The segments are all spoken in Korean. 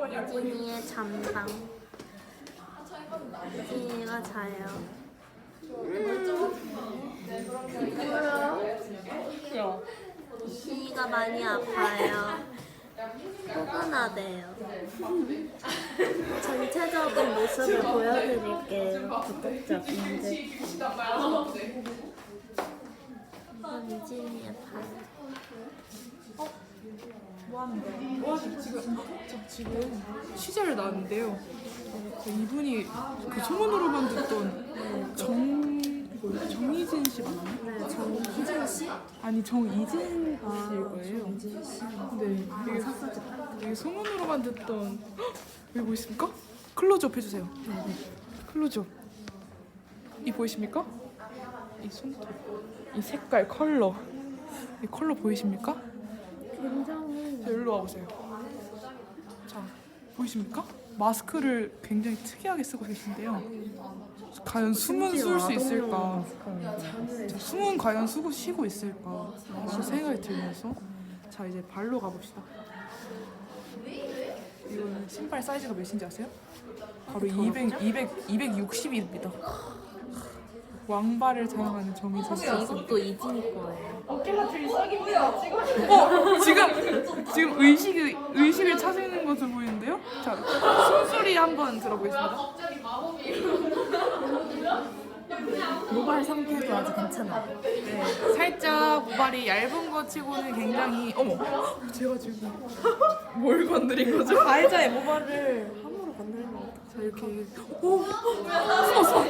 이진이의 잠방. 이진이가 자요. 이진이가 많이 아파요. 포근하대요. 전체적인 모습을 보여드릴게요. 구독자분들. 이건 이진이의 발. 지금 취재를 나왔는데요. 이분이 그 소문으로만 듣던 정희진 씨 맞나요? 네, 정희진 씨? 아니 정희진 씨일 거예요. 정희진 씨. 네, 이게 소문으로만 듣던 여기 보이십니까? 클로즈업 해주세요. 네. 클로즈업. 이 보이십니까? 이 손톱, 이 색깔, 컬러. 이 컬러 보이십니까? 굉장히. 자, 일로 와보세요. 자, 보이십니까? 마스크를 굉장히 특이하게 쓰고 계신데요. 과연 숨은 쉴 수 있을까? 자, 숨은 과연 쉬고 있을까? 그런 생각이 들면서 자 이제 발로 가봅시다. 이거는 신발 사이즈가 몇인지 아세요? 바로 260입니다. 왕발을 자랑하는 정희진 씨. 이것도 이진이 거예요. 지금 의식을 찾는 것으로 보이는데요. 자, 숨소리 한번 들어보겠습니다. 모발 상태도 아주 괜찮아요. 네, 살짝 모발이 얇은 것 치고는 굉장히 어머, 제가 지금 뭘 건드린 거죠? 가해자의 모발을 함부로 건드리면 어떡해. 자 이렇게 오 숨었어.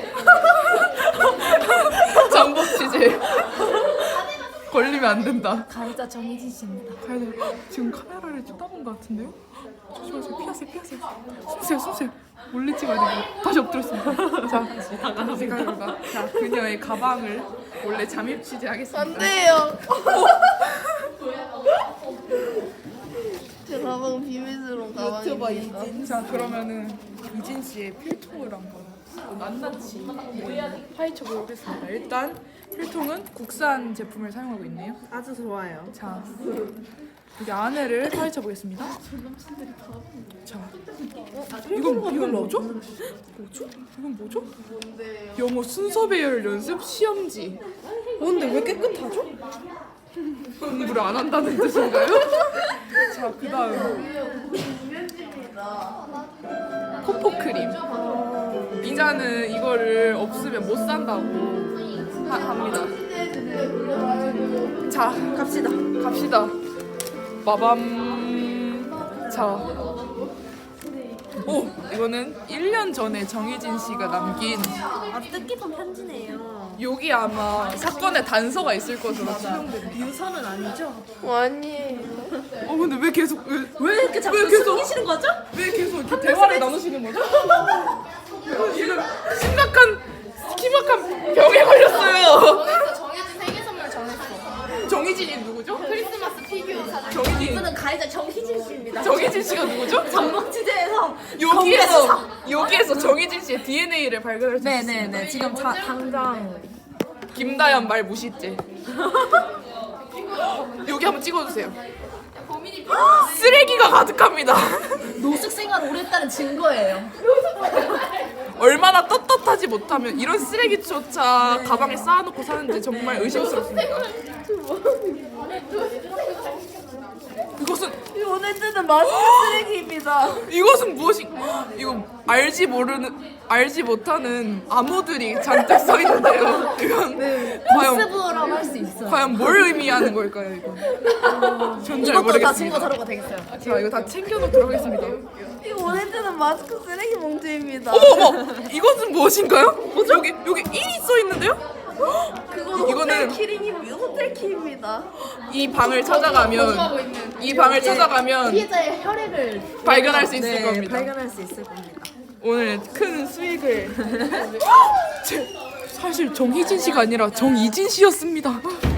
잠복 취재. 걸리면 안 된다. 가해자 정희진 씨입니다. 지금 카메라를 쳐다본 것 같은데요? 조심하세요. 피하세요. 숨으세요. 몰래 찍어야 되고 다시 엎드렸습니다. 자, 다시 가볼까? 자, 그녀의 가방을 몰래 잠입 취재하겠습니다. 안 돼요. 제 가방 비밀스러운 가방입니다. 자, 그러면은 이진 씨의 필통을 한번 낱낱이 파헤쳐 보겠습니다. 일단 필통은 국산 제품을 사용하고 있네요. 아주 좋아요. 자, 여기 안에를 파헤쳐 보겠습니다. 자, 이건 뭐죠? 이건 뭐죠? 영어 순서 배열 연습 시험지. 근데 왜 깨끗하죠? 공부를 안 한다는 뜻인가요? 자, 그다음 코포 크림. 이자는 이거를 없으면 못 산다고 합니다. 자, 갑시다. 빠밤. 자, 오, 이거는 1년 전에 정희진 씨가 남긴 아주 뜻깊은 편지네요. 여기 아마 사건의 단서가 있을 것으로 추정됩니다. 유서는 아니죠? 아니에요. 근데 왜 계속 왜 이렇게 자꾸 계속- 숨기시는 거죠? 왜 계속 이렇게 대화를 나누시는 거죠? 지금 심각한 병에 걸렸어요. 그래서 정해진 생일 선물 정했어. 정희진이 누구죠? 크리스마스 피규어 사줄. 정희진 이분은 가해자 정희진 씨입니다. 정희진 씨가 누구죠? 잠복 취재에서 여기에서 정희진 씨의 DNA를 발견할 수 있습니다. 네네네. 지금 당장 김다연 말 무시죄. 여기 한번 찍어주세요. 쓰레기가 가득합니다. 노숙 생활 오래 했다는 증거예요. 얼마나 떳떳하지 못하면 이런 쓰레기조차 가방에 쌓아놓고 사는지 정말 의심스럽습니다. 이것은 오늘 뜨는 마스크 쓰레기입니다. 이것은 이거 알지 못하는 암호들이 잔뜩 써 있는데요. 이건 과연 모습으로 할 수 있어요. 과연 뭘 의미하는 걸까요, 이거? 전 잘 이것도 다 모르겠습니다. 증거 자료가 되겠어요. 자, 이거 다 챙겨놓도록 하겠습니다. 이거 오늘 뜨는 마스크 쓰레기 봉투입니다. 어머, 이것은 무엇인가요? 여기 1이 써 있는데요? 그건 이거는- 호텔 키링입니다. 호텔 키입니다. 이 방을 찾아가면 피해자의 혈액을 발견할 수 있을 겁니다. 발견할 수 있을 겁니다. 오늘 큰 수익을 사실 정희진 씨가 아니라 정이진 씨였습니다.